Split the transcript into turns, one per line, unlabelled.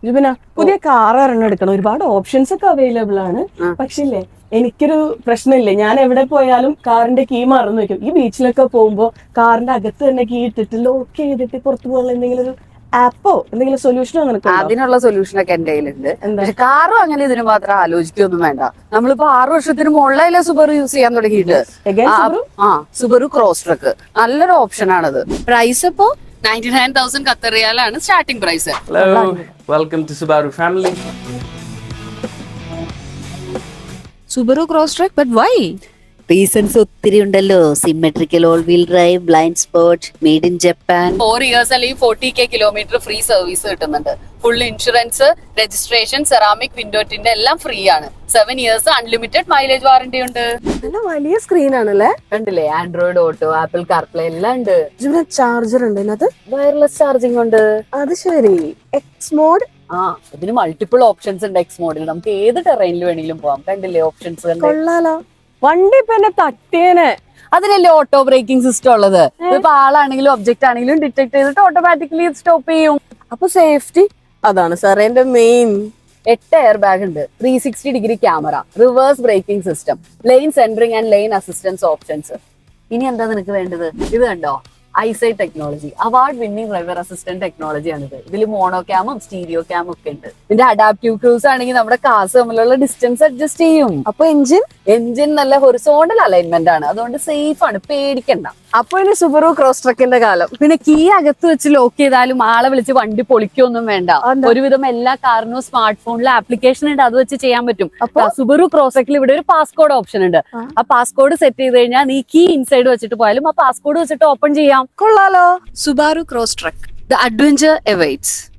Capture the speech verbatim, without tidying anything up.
ജുബിന പുതിയ കാർ ഒരെണ്ണം എടുക്കണം. ഒരുപാട് ഓപ്ഷൻസ് ഒക്കെ അവൈലബിൾ ആണ്. പക്ഷേ ഇല്ലേ, എനിക്കൊരു പ്രശ്നമില്ലേ, ഞാൻ എവിടെ പോയാലും കാറിന്റെ കീ മറന്നു വെക്കും. ഈ ബീച്ചിലൊക്കെ പോകുമ്പോ കാറിന്റെ അകത്ത് തന്നെ കീ ഇട്ടിട്ട് ലോക്ക് ചെയ്തിട്ട് പുറത്തു പോകാനുള്ള എന്തെങ്കിലും ഒരു ആപ്പോ എന്തെങ്കിലും സൊല്യൂഷനോ നിനക്ക്?
അതിനുള്ള സൊല്യൂഷൻ ഒക്കെ എന്റെ കയ്യിലുണ്ട്. പക്ഷെ കാറും അങ്ങനെ ഇതിന് മാത്രം ആലോചിക്കൊന്നും വേണ്ട. നമ്മളിപ്പോ ആറു വർഷത്തിന് മുകളിലല്ലേ സുബറു യൂസ് ചെയ്യാൻ തുടങ്ങിയിട്ട്. ആ സുബറു ക്രോസ് ട്രക്ക് നല്ലൊരു ഓപ്ഷൻ ആണത്. പ്രൈസ് ഇപ്പോ നയൻറ്റി നയൻ തൗസൻഡ് ഖത്തർ റിയാലാണ് starting price.
Hello, welcome to Subaru family.
Subaru Crosstrek, but why?
Reasons ഒത്തിരി ഉണ്ടല്ലോ. Symmetrical all wheel drive, blind spot, made in Japan.
Four years അല്ലെങ്കിൽ forty K kilometre free service കിട്ടുന്നുണ്ട്. Full insurance, registration, ceramic വിൻഡോറ്റിന്റെ എല്ലാം free ആണ്. Seven years unlimited mileage warranty ഉണ്ട്.
നല്ല വലിയ സ്ക്രീൻ ആണല്ലേ?
കണ്ടില്ലേ, ആൻഡ്രോയിഡ് ഓട്ടോ, ആപ്പിൾ കാർപ്ലേ എല്ലാം ഉണ്ട്.
ജുബിന ചാർജർ ഉണ്ട് ഇതിനകത്ത്?
വയർലെസ് ചാർജിംഗ് ഉണ്ട്.
അത് ശരി. X mode?
ആ ഇതിന് മൾട്ടിപ്പിൾ ഓപ്ഷൻസ് ഉണ്ട്. എക്സ് മോഡിൽ നമുക്ക് ഏത് ടെറൈനിൽ വേണമെങ്കിലും പോവാം. കണ്ടില്ലേ ഓപ്ഷൻസ്?
കൊള്ളാലോ. വണ്ടി ഇപ്പൊ എന്നെ തട്ടിയേനെ.
അതിനല്ലേ ഓട്ടോ ബ്രേക്കിംഗ് സിസ്റ്റം ഉള്ളത്. ഇപ്പൊ ആളാണെങ്കിലും ഒബ്ജക്റ്റ് ആണെങ്കിലും ഡിറ്റക്ട് ചെയ്തിട്ട് ഓട്ടോമാറ്റിക്കലി സ്റ്റോപ്പ് ചെയ്യും.
അപ്പൊ സേഫ്റ്റി അതാണ് സാറേ എന്റെ മെയിൻ.
എട്ട് എയർ ബാഗ് ഉണ്ട്, three sixty degree camera, reverse braking system, lane centring and lane assistance options. ഇനി എന്താ നിനക്ക് വേണ്ടത്? ഇത് കണ്ടോ, EyeSight technology, award winning driver assistant technology ആണിത്. ഇതിൽ മോണോ ക്യാമും സ്റ്റീരിയോ ക്യാമും ഒക്കെ ഉണ്ട്. ഇതിന്റെ അഡാപ്റ്റീവ് ക്രൂസ് ആണെങ്കിൽ നമ്മുടെ കാസ് തമ്മിലുള്ള ഡിസ്റ്റൻസ് അഡ്ജസ്റ്റ് ചെയ്യും.
അപ്പൊ എഞ്ചിൻ
എഞ്ചിൻ നല്ല ഹൊറിസോണ്ടൽ അലൈൻമെന്റ് ആണ്, അതുകൊണ്ട് സേഫ് ആണ്, പേടിക്കണ്ട.
അപ്പൊ ഇനി സുബറു ക്രോസ് ട്രക്കിന്റെ കാലം.
പിന്നെ കീ അകത്ത് വെച്ച് ലോക്ക് ചെയ്താലും ആളെ വിളിച്ച് വണ്ടി പൊളിക്കൊന്നും വേണ്ട. ഒരുവിധം എല്ലാ കാറിനും സ്മാർട്ട് ഫോണിൽ ആപ്ലിക്കേഷൻ ഉണ്ട്, അത് വെച്ച് ചെയ്യാൻ പറ്റും. അപ്പൊ സുബറു ക്രോസക്കിൽ ഇവിടെ ഒരു പാസ്കോഡ് ഓപ്ഷൻ ഉണ്ട്. ആ പാസ്കോഡ് സെറ്റ് ചെയ്ത് കഴിഞ്ഞാൽ നീ കീ ഇൻസൈഡ് വെച്ചിട്ട് പോയാലും ആ പാസ്കോഡ് വെച്ചിട്ട് ഓപ്പൺ ചെയ്യാം.
കൊള്ളാലോ.
Subaru Crosstrek.
The adventure awaits.